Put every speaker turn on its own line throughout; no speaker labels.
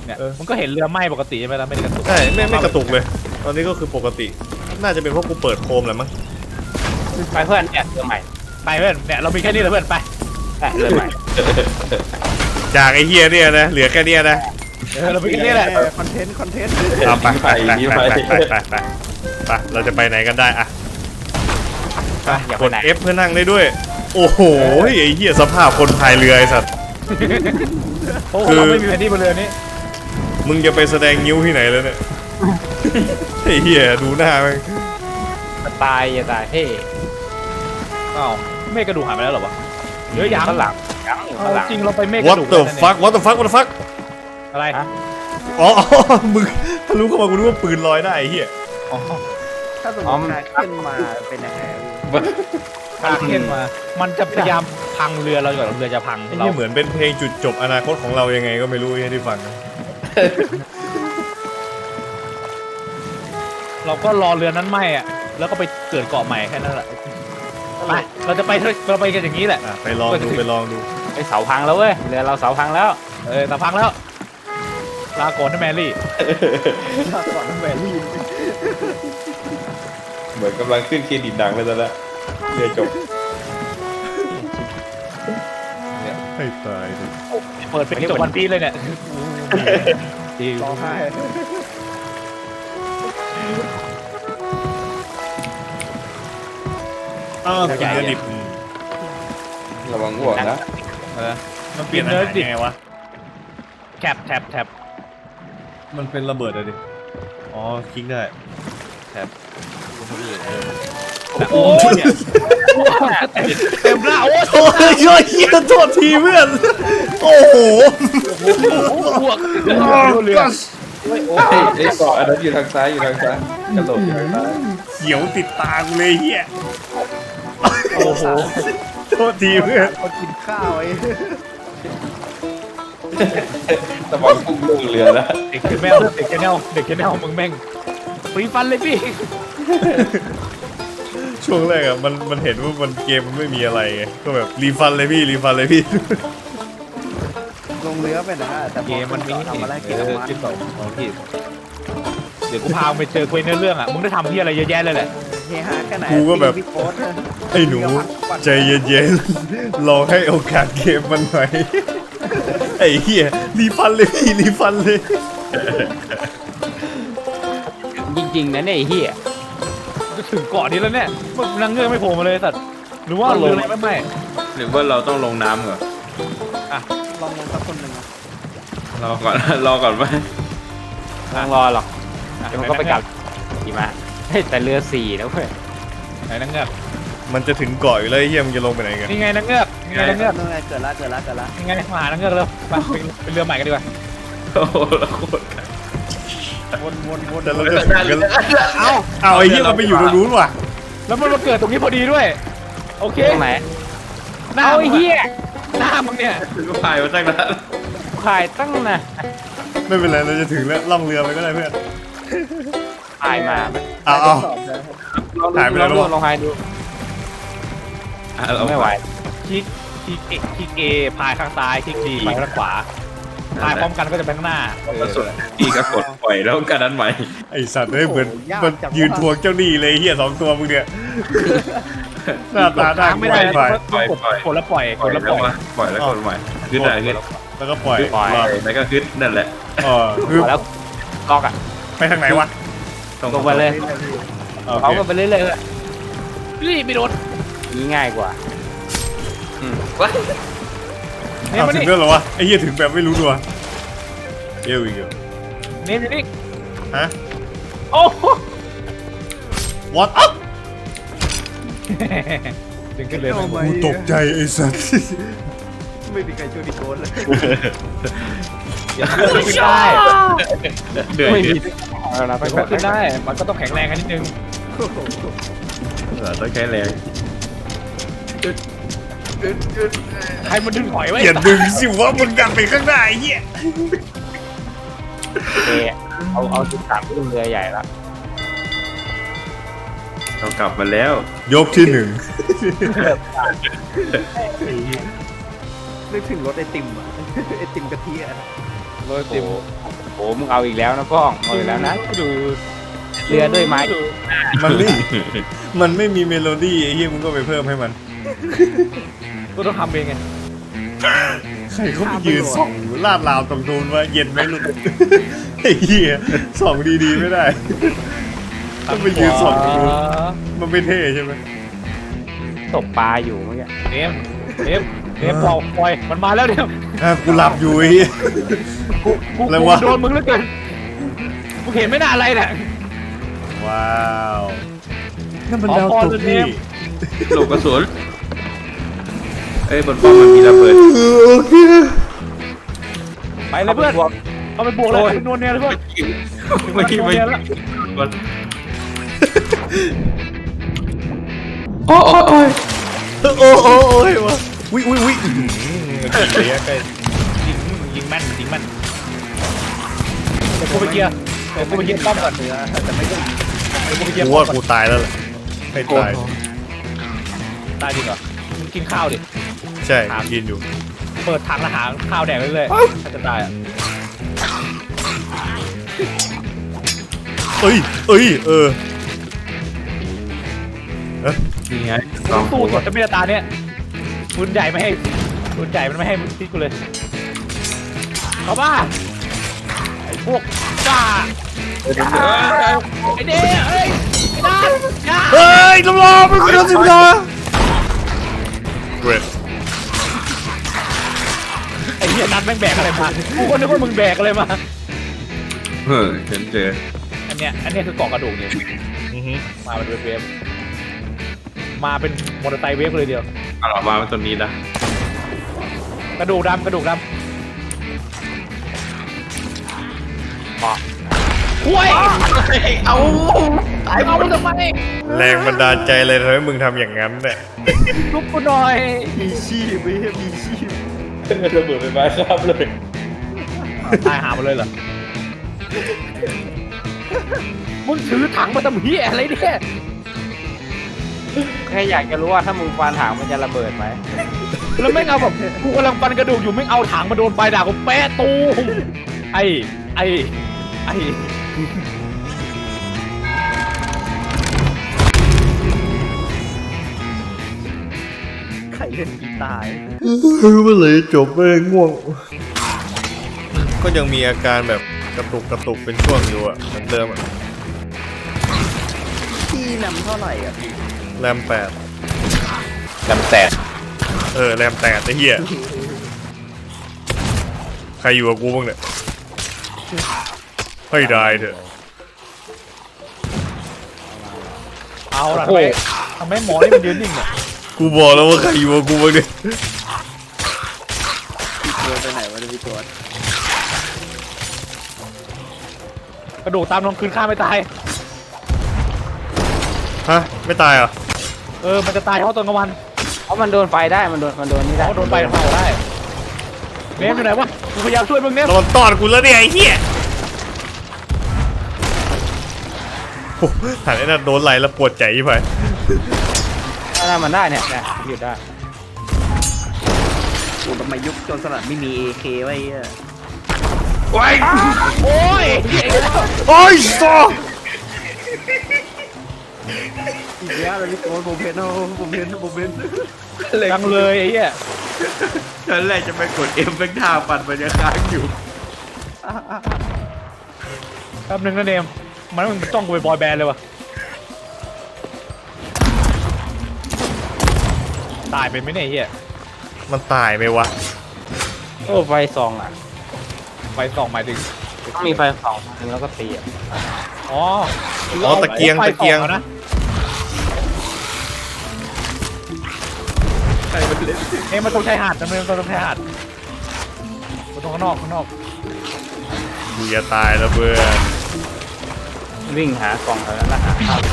เนี่ยมันก็เห็นเรือไหม้ปกติใช่ไหมล่ะไม่ได้กระตุก
ใช่ไม่กระตุกเลยตอนนี้ก็คือปกติน่าจะเป็นเพราะกูเปิดโคมแหละมั้ง
ไปเพื่อนเนี่ยเรือใหม่
ไปเพื่อนเนี่ยเรามีแค่นี้แหละเพื่อนไป
เรือใหม่
จากไอ้เฮียเนี่ยนะเหลือแค่เนี้ยนะ
เรามีแค่นี้แหละ
คอนเทนต์
เอาไปเราจะไปไหนกันได้อะ
ไปอย่าก ไป
ด
ไหน
F เพื่อนั่งได้ด้วย โอ้โหไอ้เหี้ยสภาพคนพายเรือไอ้สัตว์
โอ้โหเราไม่มีแผนที่บนเรือนี้
มึงจะไปแสดงนิ้วที่ไหนแล้วเนี่ยไอ้เหี้ยดูหน้ามัน
ตายอย่าตายเฮ้
อ้าวเมฆกระดูกหายไปแล้วเหรอวะเยอะยัง
ข้างหลังยังอยู่ข้างหลัง
จริงเราไปเมฆก
What
ระดูก
the
แล้ว
fuck What the fuck What the fuck
อะไร
อ๋อมึงทะลุเข้ามากูนึกว่าปืนลอยได้ไอ้เหี้ย
อ๋อ
ถ้าสมมติคาขึ้นมาเป็นยังไง
พาเข้นมา มันจะพยายามพังเรือเราก่อนเรือจะพัง
ไอ้
เรา
เหี้ยเหมือนเป็นเพลงจุดจบอนาคตของเรายังไงก็ไม่รู้ไอ้ที่ฟังนะ
เราก็รอเรือนั้นไหม้อะแล้วก็ไปเกิดเกาะใหม่แค่นั้นแหละไปเราจะไปกันอย่างนี้แหละ
ไปลองดู
ไอเสาพังแล้วเว้ยเรือเราเสาพังแล้ว
แต่พังแล้วลาก่อนนะแมรี่
ก่อนแหวนลีน
เหมือนกำลังขึ้นเครดิตดังเลยตอนนั้นเรือจบ
ให้ตายดิ
เปิดเป็นจบวันพีเลยเนี่ยดี
ร้องไห้
อ้าวกินเนื้อดิบ
ระวังห่วงนะ
มันเปลี่ยนอาหารยังไงวะ
แท็บ
มันเป็นระเบิดอะดิอ๋อคลิกได้
โอ้ยเนี่ยเต็มหน้าโอ้ย
โอ้ยช่วยเฮียโทษทีเพื่อน โอ้โห
บวกเรือ
ไอ้เกาะอันนั้นอยู่ทางซ้ายกระโดดอยู่ทางซ้าย
เขียวติดตากูเลยเฮีย
โอ้โห
โทษทีเพื่อน
คนกินข้าวไอ้
ระวังพุ่งลงเรือนะ
เด็กแนวมึงแม่งฟรีฟันเลยพี่
ช่วงแรกอะมันเห็นว่ามันเกมมันไม่มีอะไรไงก็แบบรีฟันเลยพี่
ลงเรือไปนะแต่
เกมมันมี
ทำอะไรเกม
จิ้มต่อของพี่เดี๋ยวกูพาไปเจอคุยในเรื่องอ่ะมึงได้ทำที่อะไรเยอะแยะเลยแหละ
เฮฮาแค่ไหน
ไอ้หนูใจเย็นๆลองให้โอกาสเกมมันหน่อยไอ้เหี้ยรีฟันเลยพี่รีฟันเลย
จริงๆนะเนี่ยไอ้เหี้ย
จะถึงเกาะนี้แล้วเนี่ยมึงนั่งเงือกไม่โผล่มาเลยสัตว์หรือว่าเรืออะไรไม่
หรือว่าเราต้องลงน้ำก่อน
ลองสักคนหนึ่ง
รอก่อนไหม
ไม่ต้องรอหรอกเดี๋ยวมันก็ไปกลับกี่มาแต่เรือ4นะเว้ย
ไหนนั่งเงือก
มันจะถึงเกาะอยู่แล้วไอ้เหี้ยมันจะลงไปไหนกัน
นี่ไงนั่งเงือกนี่ไงนั่งเงือก
นั่นไงเกิดละ
นี่ไงมาหานั่งเงือกแล้วไปเรือใหม่กันดีกว่า
โอ้โหแล้วโคตร
วน
แต่เราจะถึงกันเอาไอ้เหี้ยมันไปอยู่ตรงนู้นว่ะ
แล้วมันมาเกิดตรงนี้พอดีด้วยโอเค
ตรงไหน
หน้า
เอาไอ้เหี้ย
หน้ามึงเนี่ย
ถึงก็พายมาตั้งนาน
ขายตั้งนะ
ไม่เป็นไรเราจะถึงแล้วล่องเรือไปก็ได้เพื่อน
ขายมา
เอา หายไปแล้ว
ลองหายดู
เรา
ไม่ไหว
คลิกเอพายข้างซ้ายคลิกดีพายข้างขวาพายพร้อมกันก็จะไปข้างหน้า
สุดอีกก็กดปล่อยแล้วกันนั้นใหม่
ไอสัตว์เหมือนมันยืนทวงเจ้าหนี้เลยเหี้ย2 ตัวมึงเนี่ยหน้าตาได้
ไม่ได้
ไป
กดแล้วปล่อย
ปล่อยแล้วกดใหม่ขึ้นได้ขึ้น
แล้วก็ปล่อย
แล้วก็ขึ้นนั่นแหละ
คือ
แล้วล็อกอ่ะ
ไปทางไหนวะ
ตรงไปเลย เขาก็ไปเรื่อยๆเลย
รีบไปโดน
นี่ง่ายกว่า
นี่มา
ถึ
นี่
งเรื่องหรอวะไอ้เหี้ยถึงแบบไม่รู้ตัวเยี่ยอีก
นี่
ฮะ
โอ้โห
what
ถึงขึ้นเลย
กูตกใจไอ้สัตว์
ไม่มีใครช่วยดิโก้เลย
ขึ้นได้
เดือด
ไม่
เดื
มี
อด
เราต้อง
ขึ้นได้ มันก็ต้องแข็งแรงกันนิดนึง
ต้องใช้แรง
ใครมันดึงหอยไว้
อย่าดึงสิวะมึงดันไปข้างหน้าไอ้เหี้ย
เอเอาจุดสามขึ้นเรือใหญ่ละ
เรากลับมาแล้ว
ยกที่1
นึกถึงรถไอติมอ่ะไอติมกะทิอ่ะ
โอ้โหมึงเอาอีกแล้วนะป้องเอาอีกแล้วนะดูเรือด้วยไม้
มันไม่มีเมโลดี้ไอ้เหี้ยมึงก็ไปเพิ่มให้มัน
ก็ต้องทำเองไง
ใครเขาไปยืนส่องลาดราวตรงนู้นว่าเย็นไหมลูกไอ้เหี้ยส่องดีๆไม่ได้ต้องไปยืนส่องตรงนู้นมันไม่เท่ใช่ไหม
ตกปลาอยู่เมื่อกี้
เนมปล่อยมันมาแล้วเดี๋ยว
กูหลับอยู่ไอ้เหี้ย
กู
อะไรวะ
โดนมึงแล้วเกินกูเห็นไม่น่าอะไรเนี่ย
ว้าวนั่นมัน
ขอ
ดาว
พร
ตก
เลย
นี่
เนี่ย
หลบกระสุนเอ้ยบนป้อมมันมีระเบิด
โอเค
ไปเลยเพื่อนเอาไปบวกเลยนวลเนี่ยเลยเพื่อน
ไม่
นวล
ไม่
เนี่ยแล้ว
โอ้โอ้ย
โอ้ยวะวิ
เสียไปยิงแม่นเดี๋ยวกูไปเกียร์ป้อมก่อน
เนื้อแต่ไม่ได้
เดี๋ยวกูไปเกียร์
กู
ป้อ
ว่าม
ก่อน
กูตายแล้วแหละไม่ตาย
ตายจริงเหรอมึงกินข้าวดิ
ใช่กินอยู่
เปิดถังอาหารข้าวแดกเรื่อยๆถ้าจะตายอ่ะ
เอ้ย
นี่ไง
ต้องสู้สดจะไม่ได้ตาเนี่ยปืนใหญ่มันไม่ให้ทิ้งกูเลยเข้าบ้าไอ้พวกบ้าไอ้เด้เอ้ยไอ้ด้านอย่า
เฮ้ยน้ำรอไม่กูโดนสิบล้อเวท
ไอ้เหี้ยนัดแม่งแบกอะไรมากูก็นึกว่ามึงแบกอะไรมา
เฮ้ยฉันเจอ
อันเนี้ยคือกล่องกระดูกเนี่ยมาเป็นเวฟมาเป็นมอเตอร์ไซค์เวฟเลยเดียว
เอาออกมาเป็นตัวนี้นะ
กระดูกดำห่วยเอาตายเอาทำไม
แรงบันดาลใจเลยทำให้มึงทำอย่างนั้นเนี่ย
ลุกกูหน่อย
มีชีพไม่ใช่มีชีพ
ระเบิดไฟฟ้าครับเลย
ตายหามาเลยเหรอมึงถือถังมาทำเหี้ยอะไรเนี่ย
แค่อยากจะรู้ว่าถ้ามึงฟันถางมันจะระเบิดไหม
แล้วแม่งเอาแบบกูกำลังปันกระดูกอยู่แม่งเอาถังมาโดนปลายดาบกูแปะตูมไอ้
ไข่เล่นกีตาร์
เมื่อไหร่จบแม่งง่วง ก็ยังมีอาการแบบกระตุกเป็นช่วงอยู่อ่ะเหมือนเดิมอ่ะ
ที่นำเท่าไหร่อ่ะพี่
แรม8
จำแตก
แรม8ไอ้เหี้ยใครอยู่กับกูบ้างเนี่ยให้ได้เถอะ
เอาล่ะทำไมหมอนี่มันยืนนิ่งเนี่ย
กูบอกแล้วว่าใครอยู่กับกูบ้างเนี่ย
พี่ตัวไปไหนวะเนี่ยพี่ตัว
กระดูกตามลงคืนข้าไม่ตาย
ฮะไม่ตายเหรอ
มันจะตายเพราะตอนกลางวัน
เพราะมันโดนไฟได้มันโดนนี่ได้
โดนไปเผาได้เนมอยู่ไหนวะกูพยายามช่วยมึงเนม
โดนตอดกูแล้วเนี่ยไอ้เหี้ยโอ้หันไอ้นั่นโดนไหลแล้วปวดใจไป
ถ้ามันได้เนี่ยหยุดได้
โอ้ทำไมยุคโจรสลัดไม่มี AK ไว้อ่ะ
โอ้ย
โอ้ยซอ
อีกแล้วเลยพี่ตัวผมเห็น
จังเลยไอ้เหี้ย
ฉันแรกจะไปกดเอ็มเป็นท่าปัดมันยังค้างอยู่
แป๊บนึงนะเนมมันจ้องกูไปบอยแบนด์เลยวะตายไปไหมเนี่ยไอ้เหี้ย
มันตายไหมวะ
โอ้ไฟส่องอ่ะ
ไฟส่องหมายถึง
ต้องมีไฟส่องถึงแล้วก็ตีอ่ะ
อ๋อ
ตะเกียง
ไฟ
ตะเกียง
ส่อนะ
ใครมันเล่น
มันต้องใช้หาดนะมันต้องใช้หาดมันต้องข้างนอก
กูจะตายแล้วเพื่อน
วิ่งหากล่องแล้วนะหาข้าว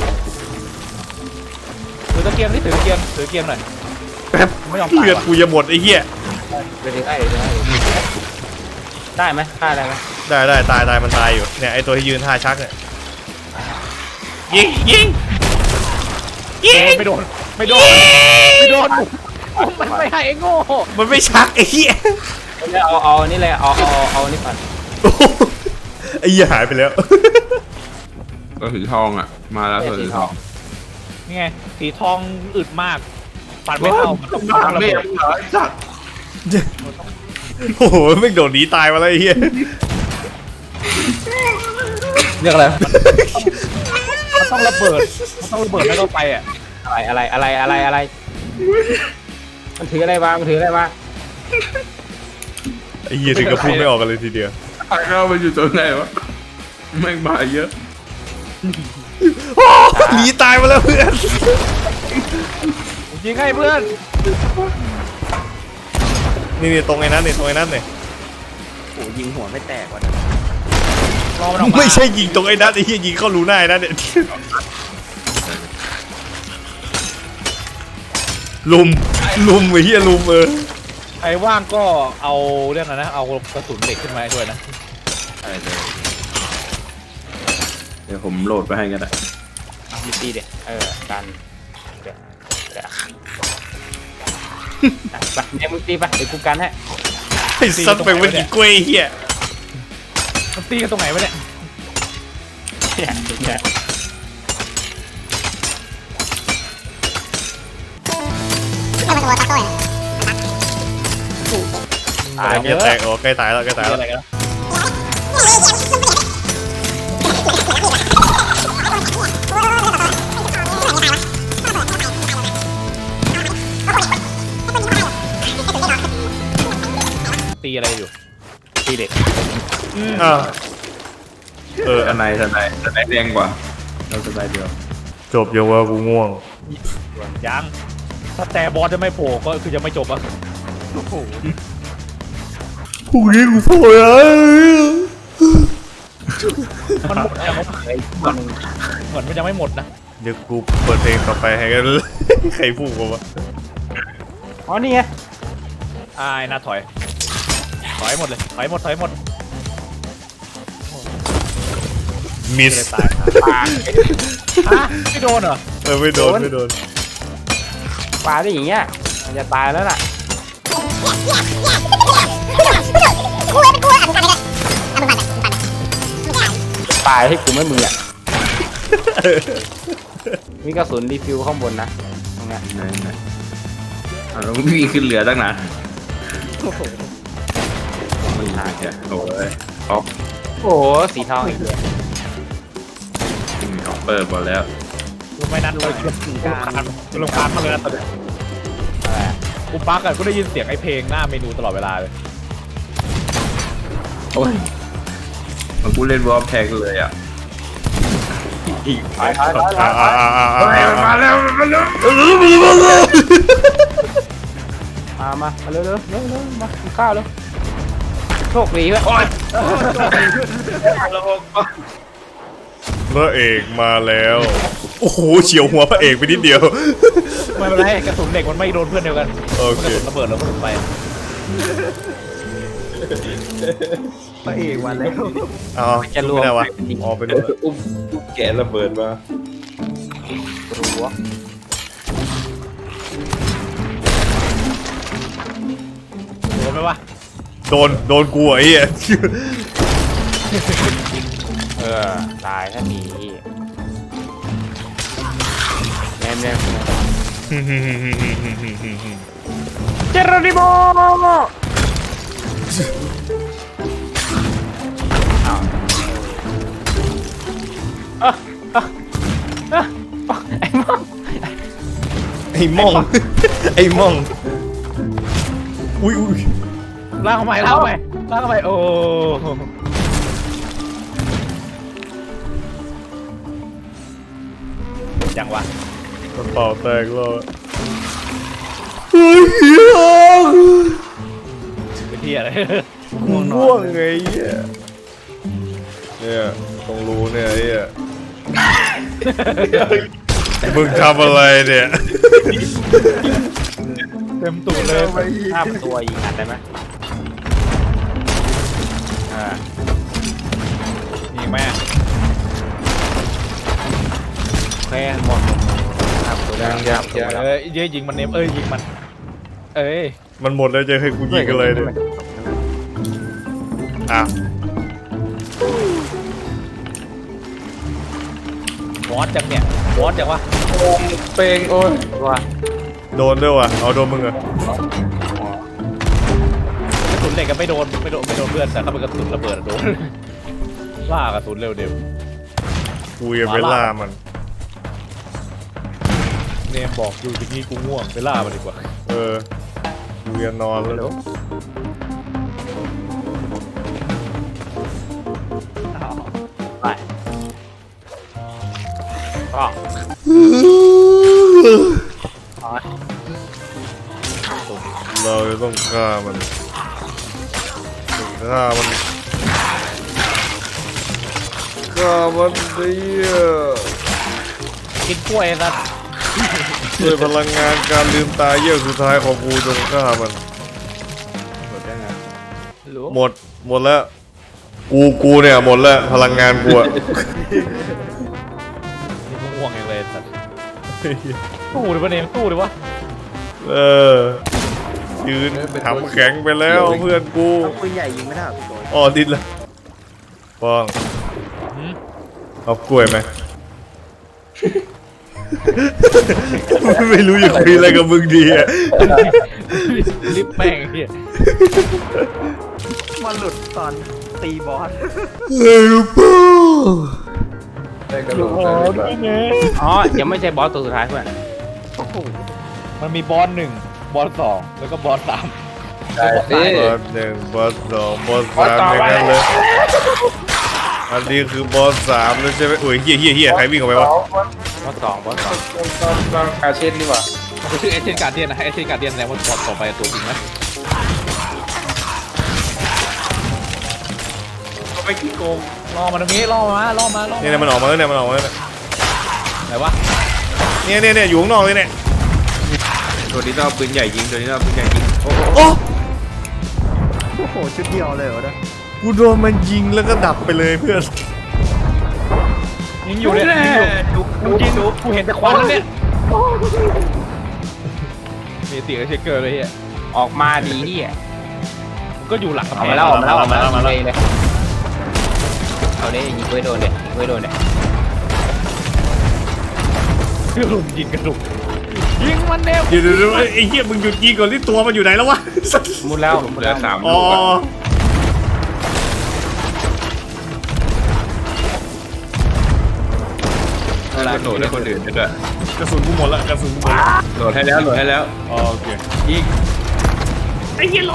ถือตะเกียงนี่ถือตะเกียงหน่อย
แป๊บ
ไม่ยอม
เลือดกูจะหมดไอ้เหี้ย
ไปถึงได้ไหมฆ่าได้ไหม
ได้ตายมันตายอยู่เนี่ยไอตัวที่ยืนท่าชักเนี่ยยิง
ไม่โดนมันไม่ให้ไอ้โง่
มันไม่ชักไอ้เหี้ย
เอานี่เลยเอานี่ก่อน
โอ้โหไอ้เหี้ยหายไปแล้ว
ก็สีทองอ่ะมาแล้วสีทอง
นี่ไงสีทองอึดมากปัดไม่เข้ามันต้องระเบิด
สัตว์
โอ้โหไม่งโดดหนีตายมาแล้วไอ้เหี้ย
เรียกอะไร
มันต้องระเบิดแล้วก็ไปอ่ะ
อะไรมันถืออะไรมา
ไอ้เหี้ยถึงกับพูดไม่ออกกันเลยทีเดียว
ทางเข้ามันอยู่ตรงไหนวะแม่งมาเยอะ
หนีตายมาแล้วเพื่อน
ยิงให้เพื่อน
นี่ตรงไอ้นั้นนี่ตรงไอ้นั้นนี่
โอ้ยิงหัวไม่แตกว่ะนะ
รอมันออกมา
ไม่ใช่ยิงตรงไอ้นั้นไอ้เหี้ยยิงเข้ารูหน้าไอ้นั้นเนี่ยลุมไอ้เหี้ยลุม
ใครว่างก็เอาเรื่องนั้นนะเอากระสุนเหล็กขึ้นมาให้ด้วยนะ
เดี๋ยวผมโหลดไปให้กันนะ
มีตีเด็กันเดี๋ยวไปเนี่ยมึงตีไปเดี๋ยวกูกันให้
ไอ้สัตว์แม่งเป็นกี่กล้วยไอ้เหี้ย
มันตีกันตรงไหนวะเนี่ย
เนี่ย
ตาย
แกแตกใกล้ตายแล้ว
อะไรกันตีอะไรอยู่
ตีเด็ก
อ้าว
ทนายแดงกว่าเราสบายเดียว
จบยังว่ากูง่วง
ยังถ้าแต่บอสจะไม่โผล่ก็คือจะไม่จบอ่ะโอ้โห
พรุ่งนี้กูโผล่แล้ว
มันหมดยังเหมือนมันยังไม่หมดนะ
เดี๋ยวกูเปิดเพลงต่อไปให้กัน ใครพูดกูวะ
อ๋อนี่ไง
อ้ายน่าถอยหมดเลยถอยหมด
มิส
เลยตายฮะไม่โดนเหรอ
ไม่โดน
ปลาได้อย่างเงี้ยมันจะตายแล้วล่ะตายให้กูไม่มืออ่ะมีกระสุนรีฟิวข้างบนนะตรงเนี้ย
ไหนเราไม่มีขึ้นเรือตั้งนาน
โอ้โห
มันหายอ่ะโอ้ยออฟ
โอ้โหสีทองอีกเลย
เปิดหมดแล้ว
รู้ไหมนัดเลยลงคานมาเลยนะตอนนี้กูปักอะกูได้ยินเสียงไอ้เพลงหน้าเมนูตลอดเวลาเลย
โอ้ยมันกูเล่นวอลแทงเลยอ่ะ
ถอย
มาแล้ว
มาเร็วมากินข้าวเร็วโชคดีเว้ย
พระเอกมาแล้ว โอ้โหเฉียวหัวพระเอกไปนิดเดียว
ไม่เป็นไรกระสุนเด็กมันไม่โดนเพื่อนเดียวกัน
โอเค
กระสุนระเบิดแล้วมันไป
พระเอกมาแล้ว
อ๋อไม่ได้วะอ๋อเป็น
อุ้มแกะระเบิดมา
รั้ว
โดนไหมวะ
โดนกูไอ้เหี้ย
ตายถ้าหนีแน่เจโรนิโม
ไอ้ม่องอุ้ย
ลากเข้าไปโอ้จังวะ
กระเป๋าแตกแล้ว
เป็นที่อะไร
ง่วงไงเนี่ยตรงรูเนี่ยไอ้เหี้ยมึงทำอะไรเนี่ย
เต็มตูดเลย
ห้าตัวยิงอัดได้ไหม
ยิงแม่
โอเคหมดครับตัวยัง
ยิงมันเนมยิงมัน
มันหมดแล้วจะให้กูยิงกันเลยเนี่ยอ่ะ
บอสจังเนี่ยบอสจังวะ
เปงโอ้ย
ว่า
โดนด้วยว่ะเอาโดนมึงเหรอก
ระสุนเหล็กก็ไม่โดนเพื่อนแต่ถ้าเป็นกระสุนระเบิดอะโดนล่ากระสุนเร็วเดี๋ยว
กูยังไปล่ามัน
เนมบอกอยู่ที่นี่กูง่วงไปล่ามันดีกว่า
เออกูจะนอนแล้ว
ไปก็
เราจะต้องฆ่ามันฆ่ามันดิ
กินกล้วยนะ
ด้วยพลังงานการลืมตาเยี่ยวสุดท้ายของกูจงฆ่ามัน
หมดได้ไง
หมดแล้วกูเนี่ยหมดแล้วพลังงานกูอะ
นี่กูง่วงอย่างเลยสัตว์ตู้ดิวะเนมตู้ดิวะ
เออยืนทำแข็งไปแล้วเพื่อนกู
เอาปืนใหญ่ยิงไม่ได้พี่โจย
อ๋อดิดละป้อง
หืม
เอากล้วยไหม ไม่รู้จะคุยอะไรกับมึงดีอะ
รีบแป้งไอ้เหี้ย
มันหลุดตอนตีบอส
ได้กระโดดได้หรือเปล่า
อ๋อยังไม่ใช่บอสตัวสุดท้ายเพื่อน
โอ้โห
มันมีบอส1บอส2แล้วก็บอส3
ได้สิ
บอส1บอส2บอส3อย่างนั้นเลยอันนี้คือบอส3แล้วใช่ไหมโอ้ยเฮียใครวิ่งออกไปวะ
บอส 2บอส
ต้องอาเช่นดีกว่า
มันชื่อเอเจนต์การเดียนนะเอเจนต์การเดียนแสดงว่าบอสต่อไปตัวจริงนะ
ก็ไม่ขี้โกง
ล่อมาตรงนี้ล่อมา
เนี่ยมันออกมาแล้วเนี่ยมันออกมาแล้วเนี่ย
ไหนวะ
เนี่ยอยู่ข้างนอกเลยเนี่ย
ตัวนี้ต้องเอาปืนใหญ่ยิงตัวนี้ต้องเอาปืนใหญ่ยิงโอ้โห
โอ้
โอ้โหชุดเดียวเลยเหรอเนี่ย
กูโดนมันยิงแล้วก็ดับไปเลยเพื่อน
ยิงอยู่เนี่ยยิงอยู่กูเห็นแต่ควันแล้วเนี่ยมีเสียงเชคเกอร์เลยเฮีย
ออกมาดีที่อ่ะ
มันก็อยู่หลังกำ
เอา
แพ
มาง แล้วออกมาแล้วออกมาแล้วเลยเอาเลยยิงไว้โดนเลยยิงไว้โดนเลย
กระดุมยิงกระดุมยิงมันเนม
เดี๋ยวไอ้เหี้ยมึงหยุดยิงก่อนที่ตัวมันอยู่ไหนแล้ววะ
มุดแล้ว
เหลือ3
อ๋
ลู
อก
อะ ได้กระโดดได้คนอื่นด้วย
กระสุนกูหมดละกระสุนกูหมดละ
โหลดให้แล้ว
อ๋อโอเค
ยิง
ไอ้เหี้ยร้อน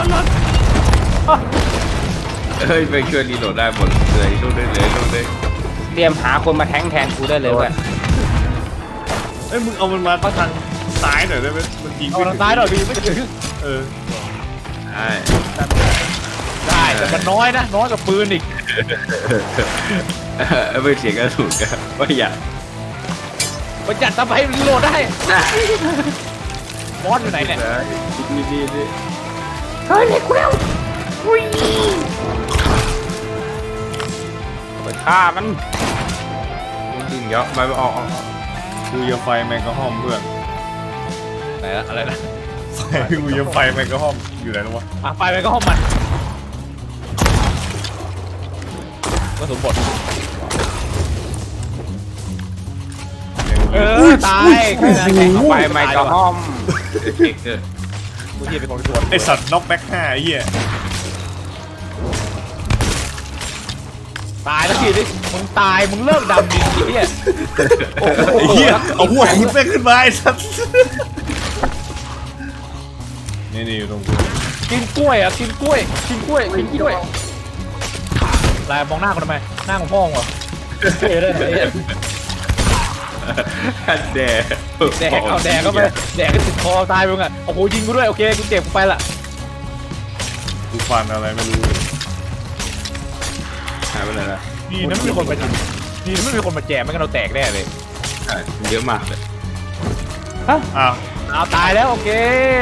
เฮ้ยไปช่วยรีโหลดได้หมดเลยลูกได้เลยลูกได้
เตรียมหาคนมาแทงแทนกูได้เลยเว้ย
เอ้ยมึงเอามันมาเข้าทางซ้ายหน่อยได้ไหมมันยิง
เอาทางซ้ายหน่อยพี่ไม่ถึง
เออ
ใช่
ได้แต่มันน้อยนะน้อยกว่าปืนอีก
ไม่เสียกระสุนกันว่าอยาก
มันจัดทำให้รีโหลดได้บอสอยู่ไหนเนี่ย
นี่
เฮ้ยกูแล้วไปฆ่ามัน
ยิงเยอะไม่ออก
กูจะไฟแมงกะฮอมเพื่อน
ไหนละอะไรนะ
กูจะไฟแมงกะฮอมอยู่ไหนแล้ววะ
ไปไปก็ห้องมันก็สมบทตายแค่นั้นเอง
เอาไปไมค์กระห้อม
กูที่เป็นคนชวน
ไอสัตว์น็อกแบ็ค5ไอ้เหี้ย
ตายแล้วทีนี้มึงตายมึงเลิกดำดิไอ้เหี้ย
ไอ้เหี้ยเอาหัวคุณแม่งขึ้นมาไอ้สัตว์นี่อยู่ตรงกู
กินกล้วยอ่ะกินกล้วยลายมองหน้ากูทำไมหน้าของพ่อมึงเหรอเท่เลยไอ้เหี้ย
แดก
แดกเอาแดกก็ไปแดกก็ติดคอตายไปมึงอ่ะโอ้โหยิงกูด้วยโอเคกูเจ็บกูไปละ
กูฟันอะไรไม่รู้
หายไปเลยนะ
นี่นั่นไม่มีคนมานี่นั่นไม่มีคนมาแจมไม่งั้นเราแตกแน่เลย
ใช่เยอะมากเลย
อ้าว
เอาตายแล้วโอเค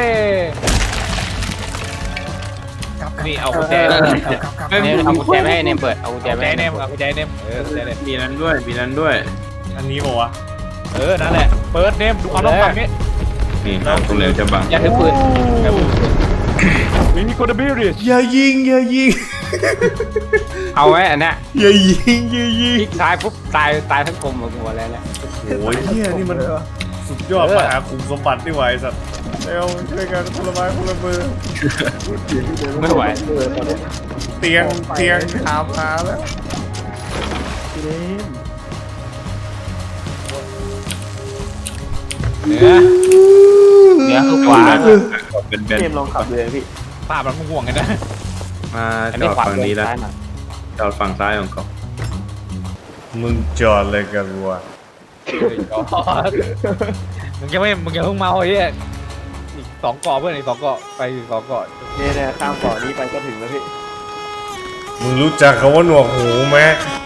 นี่เอากุญแจ
เนี่ยเอากุญแจไม่ให้เนมเปิดเอากุญแจ
เอา
ไม่
ใจ
ให้
เน
เน
ม
ม
เอาใจเนมกุญแจเนม
มีนั้นด้วย
อันนี้บอกว่าวะ
นั่นแหละเปิดเนมดูความต้องการนี้
นี่ห้องตรงเร็วจะบัง
อย่าถือปืน
มีคนเดบิวต์
อย่ายิง
เอาไว้อันเนี้ย
อย่ายิงอย่ายิง
คลิกซ้ายปุ๊บตายทั้งกลมหมดหัวแล้วเนี่ย
โอ้ยเฮียนี่มันสุดยอดมหาคุมสมบัตินี่ไหวสัตว์เร็วช่วยกันคนละไม้คนละมือ
ไม่ไหว
เตียงถามหาแล้ว
พี่เนม
เนื้อคือขวา
เป็น
พี่เนมลองขับเลยพี่
ภาพมันห่วงกันนะ
มา
อัน
จ
นี้
อด
ขวา
ฝั่งนี้แล้ว
ซ้ายหน่อย
จอดฝั่งซ้ายของเขา
มึงจอดเลยกันวะ
มึงยังเพิ่งเมาไอ้เหี้ยอีก2 เกาะเพื่อนอีก2 เกาะไปอีก2 เกาะ
เนี่ยข้ามเกาะนี้ไปก็ถึงแล้วพี่
มึงรู้จักคำว่าหนวกหูไหม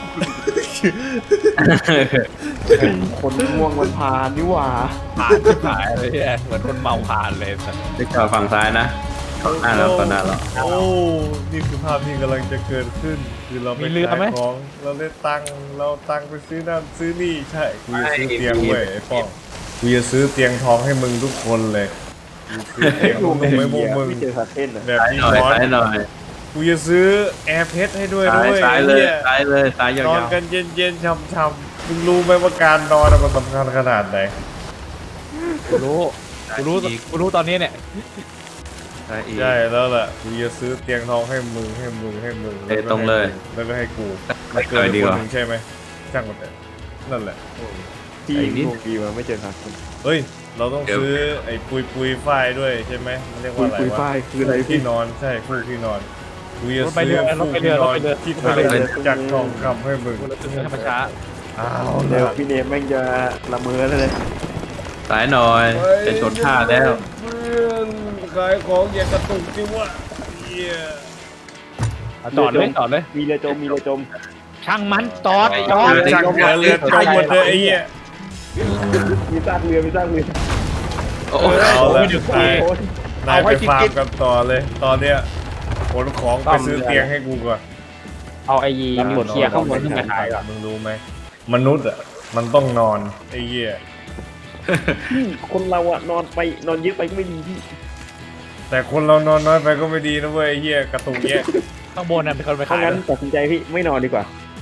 คนง่วงมันพานนี่หว่า
ผ่านที่ผ่านเลยเนี่ยเหมือนคนเมาผ่านเลยสัตว์
จะจอดฝั่งซ้ายนะข้างหน้าเราข้างหน้าเรา
โอ้นี่คือภาพที่กำลังจะเกิดขึ้นคือเราไปขายของเราได้ตังค์เราตังค์ไปซื้อนั่นซื้อนี่ใช่กูจะซื้อเตียงเว้ยไอ้ป้องกูจะซื้อเตียงทองให้มึงทุกคนเลยกูซื้อเตียงมึงไม่พวกมึง
ไม่เจอคาเท่นอ่ะ
แบบ
ซ้าย
นี้
หน่อย
ร้อน
ซ้ายหน่อย
กูจะซื้อแอร์เพชรให้ด้วย
ซ้าย
ด้วย
ซ้ายเลยซ้ายเลยซ้ายยาน
อน
ว
กันเย็นๆช่ำๆมึงรู้ไหมว่าการนอนมันสำคัญขนาดไหน
กูรู้ตอนนี้เนี่ย
ๆซ้ายอีก
ใช่แล้วล่ะกูจะซื้อเตียงทองให้มึง
เอ้ยตรงเลย
แล้วก็ให้กู
ไม่เคยดีกว่า
คนหนึ่งใช่ไหมช่างมันเถอะนั่นแหละ
ที่
ไอ้นี่
งงดีมาไม่เจอคาเท่น
เฮ้ยเราต้องซื้อไอ้ปุยฝ้ายด้วยใช่ไหมมันเรียกว่าอะไร
คุยว
ะ
ฝ้ายคืออะไร
ที่
พี่
นอนใช่คู่ที่นอนกูจะ
รถไป
ซื้
เรือ
อ
รถ
คู่
ไปเรื
ที่
อน ร
อ
ถ
น
ไปเรือ
ที่
รถไป
ทำ
เรือ
จากทองคำให้มึง
ธรรมชาติ
อ้าว
เดี๋ยว
ล่ะ
พี่เนมแม่งจะละเมอแล้วเลย
ซ้ายหน่อยจะชนท่าแล้ว
เพื่อนขายของอย่ากระตุกจิวะเหี้ย
จอดเลย
มีเรือจมมีเรือจม
ช่างมันจอด
ช่างเรือจมหมดเลยไอ้เหี้ย
มีซากเรือมีซากเรือ
โอ้
เอาละ
โอ้ย
นายไปฟาร์มกันต่อเลย ตอนเนี้ยขนของไปซื้อเตียงให้กูก่อน
เอาไอ้นิวเคลียร์ข้างบนขึ้นมาขายก่อน
มึงรู้ไหมมนุษย์อ่ะมันต้องนอนไอ้เหี้ย
พี่คนเราอะนอนไปนอนเยอะไปก็ไม่ดีพี่
แต่คนเรานอนน้อยไปก็ไม่ดีนะเว้ยไอ้เหี้ยกระตุกเงี้ย
ข้างบนน่ะเป็นคนไป
เพราะ
ขาย
งั้นตัดสินใจพี่ไม่นอนดีกว่า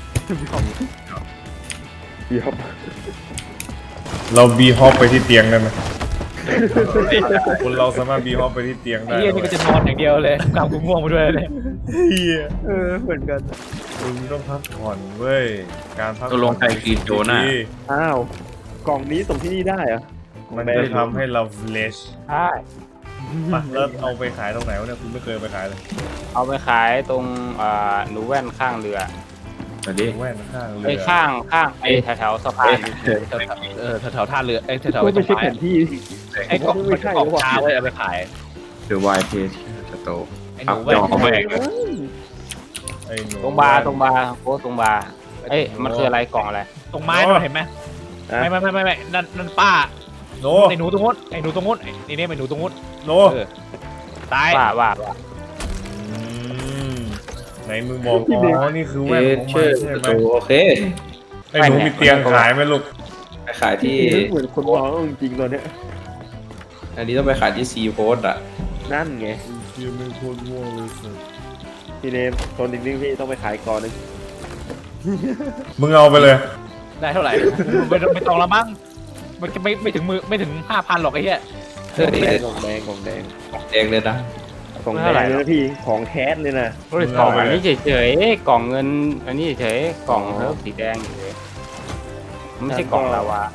เดี๋ยว
เราบีฮอปไปที่เตียงได้ไหมคนเราสามารถบีฮอปไปที่เตียง
ไอ้
ได้
เหี้ยนี่ก็จะนอนอย่างเดียวเลยกำกูง่วงมาด้วยเลย
เหี้ย
เหมือนกัน
มึงต้องพักผ่อนเว้ยการพัก
ตกลงใครกินโจน่า
ดี
อ้าวกล่องนี้ส่งที่นี่ได้เหรอ
มันจะทำให้เราเฟลช
ใช่
แล้วเอาไปขายตรงไหนวะเนี่ยคุณไม่เคยไปขายเลย
เอาไปขายตรงหนูแว่นข้างเรือ
สวัสดี
แว่นข้างเรื
ไอ้
อ
ข้างไอ้แถวๆสะพาน
แถวท่าเรือไอ้แถว
ไม่
ไอ้
ใช่แผนที่
ไอ้กล่องมันกล่องชาไว้เอาไปขาย
เดอะวายเพจสโต
ไอ้ห
อั
นู
พ
แว่
จ
น
อแม่ง
ไอ้หนู
ตรงบาร์โค้ดตรงบาร์เอ้ยมันคืออะไรกล่องอะไร
ตรงไม้เราเห็นไหมไม่นั่นป้า
โน
ไอ้หนูตรงนู้นไอ้หนูตรงนู้นไอ้นี่ไอ้หนูตรงนู้น
โน
ตาย
ว่า
อืมไหนมึงบอกอ๋อนี่คือ
เอ
แว่นของ
ชื่
มั
อน
ใช่
ส
ไหม
โตโอเค
ไอ้หนูมีเตียงขายไหมลูก
ไปขายที่
เหมือนคนมองจริงๆตอนเนี้ย
อันนี้ต้องไปขายที่ซีโพสอ่ะ
นั่นไง
เตียงเป็นคนง่วงเลยสิ
พี่เนมตอนนิ่งๆพี่ต้องไปขายก่อนนึง
มึงเอาไปเลย
ได้เท่าไหร่ไม่ต้องละมั้งมันจะไม่ถึงมือไม่ถึง 5,000หรอกไอ้เหี้ย
เฮ้ย
กล่องแดงกล่องแดง
แดงเลยนะ
กล่องแดงเลยนะพี่ของแคสเลยนะ
กล่องอันนี้เฉยๆกล่องเงินอันนี้เฉยๆกล่องเลิฟสีแดงเฉยไม่ใช่กล่องลาวา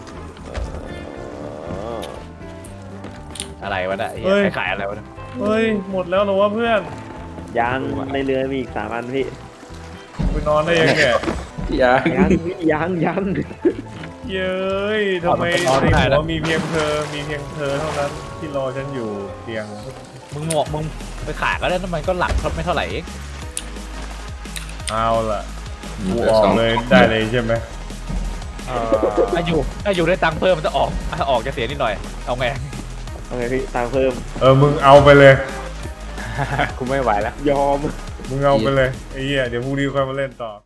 อะไรวะเนี่ยไอ้เหี้ยขายอะไรวะเนี่ย
เฮ้ยหมดแล้วเหรอวะเพื่อน
ยังในเรือมีอีก3 อันพี่
ไปนอนได้ยังเนี่ย
ยัง
พี่ยัง
เย้ยทำไมในหัวมีเพียงเธอเท่านั้นที่รอฉันอยู่เตียง
มึงไปขายก็ได้น้ำมันก็หลักไม่เท่าไหร่เอง
เอาล่ะกูออกเลยได้เลยใช่ไหม
ถ้าอยู่ได้ตังค์เพิ่มมันจะออกถ้าออกจะเสียนิดหน่อยเอาไง
เอาไงพี่ตังค์เพิ่ม
มึงเอาไปเลย
กูไม่ไหวแล้ว
ยอม
มึงเอาไปเลยไอ้เหี้ยเดี๋ยวพรุ่งนี้ค่อยมาเล่นต่อ